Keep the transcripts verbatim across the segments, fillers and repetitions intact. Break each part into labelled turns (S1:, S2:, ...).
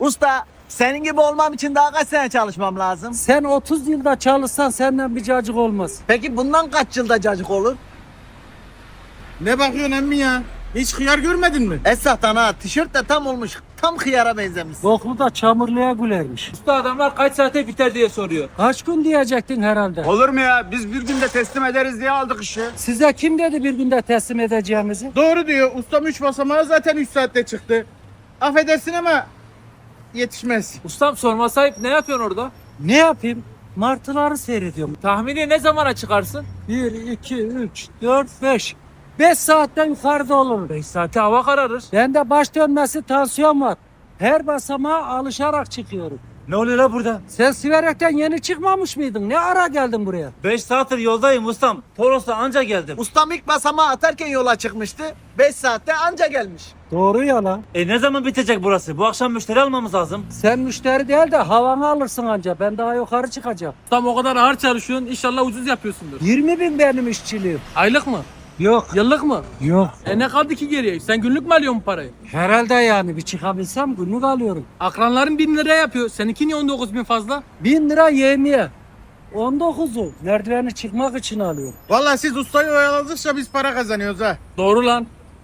S1: Usta senin gibi olmam için daha kaç sene çalışmam lazım?
S2: Sen otuz yılda çalışsan senden bir cacık olmaz.
S1: Peki bundan kaç yılda cacık olur?
S3: Ne bakıyorsun emmi ya? Hiç hıyar görmedin mi?
S1: Esahtan ha tişört de tam olmuş. Tam hıyara benzemiş.
S2: Boklu da çamurluya gülermiş.
S4: Usta adamlar kaç saate biter diye soruyor.
S2: Kaç gün diyecektin herhalde.
S3: Olur mu ya? Biz bir günde teslim ederiz diye aldık işi.
S2: Size kim dedi bir günde teslim edeceğimizi?
S3: Doğru diyor. Ustam üç basamağı zaten üç saatte çıktı. Affedersin ama yetişmez.
S4: Ustam sorma sahip ne yapıyorsun orada?
S2: Ne yapayım? Martıları seyrediyorum.
S4: Tahmini ne zamana çıkarsın?
S2: bir, iki, üç, dört, beş. beş saatten yukarıda olur.
S4: beş saate hava kararır.
S2: Bende baş dönmesi, tansiyon var. Her basamağa alışarak çıkıyorum.
S5: Ne oluyor la burada?
S2: Sen Siverek'ten yeni çıkmamış mıydın? Ne ara geldin buraya?
S5: beş saattir yoldayım ustam. Toros'ta anca geldim.
S1: Ustam ilk basamağı atarken yola çıkmıştı. beş saatte anca gelmiş.
S2: Doğru ya lan.
S5: E ne zaman bitecek burası? Bu akşam müşteri almamız lazım.
S2: Sen müşteri değil de havanı alırsın anca. Ben daha yukarı çıkacağım.
S4: Ustam o kadar ağır çalışıyorsun inşallah ucuz yapıyorsundur.
S2: yirmi bin benim işçiliğim.
S4: Aylık mı?
S2: Yok.
S4: Yıllık mı?
S2: Yok.
S4: E ne kaldı ki geriye? Sen günlük mü alıyorsun parayı?
S2: Herhalde yani bir çıkabilsem günlük alıyorum.
S4: Akranların bin lira yapıyor. Seninki niye on dokuz bin fazla?
S2: Bin lira yemeğe. on dokuzu merdiveni çıkmak için alıyorum.
S3: Vallahi siz ustayı oyaladıkça biz para kazanıyoruz ha.
S4: Doğru lan.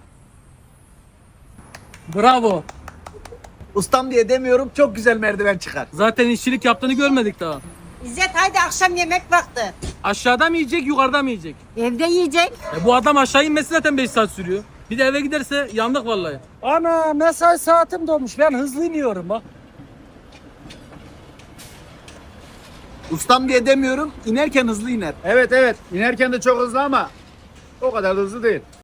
S4: Bravo.
S1: Ustam diye demiyorum çok güzel merdiven çıkar.
S4: Zaten işçilik yaptığını görmedik daha.
S6: İzzet haydi akşam yemek vakti.
S4: Aşağıda mı yiyecek yukarıda mı yiyecek?
S6: Evde yiyecek.
S4: E bu adam aşağı inmesi zaten beş saat sürüyor. Bir de eve giderse yandık vallahi.
S2: Ana mesai saatim dolmuş. Ben hızlı iniyorum bak.
S1: Ustam diye demiyorum inerken hızlı iner.
S3: Evet evet. İnerken de çok hızlı ama o kadar da hızlı değil.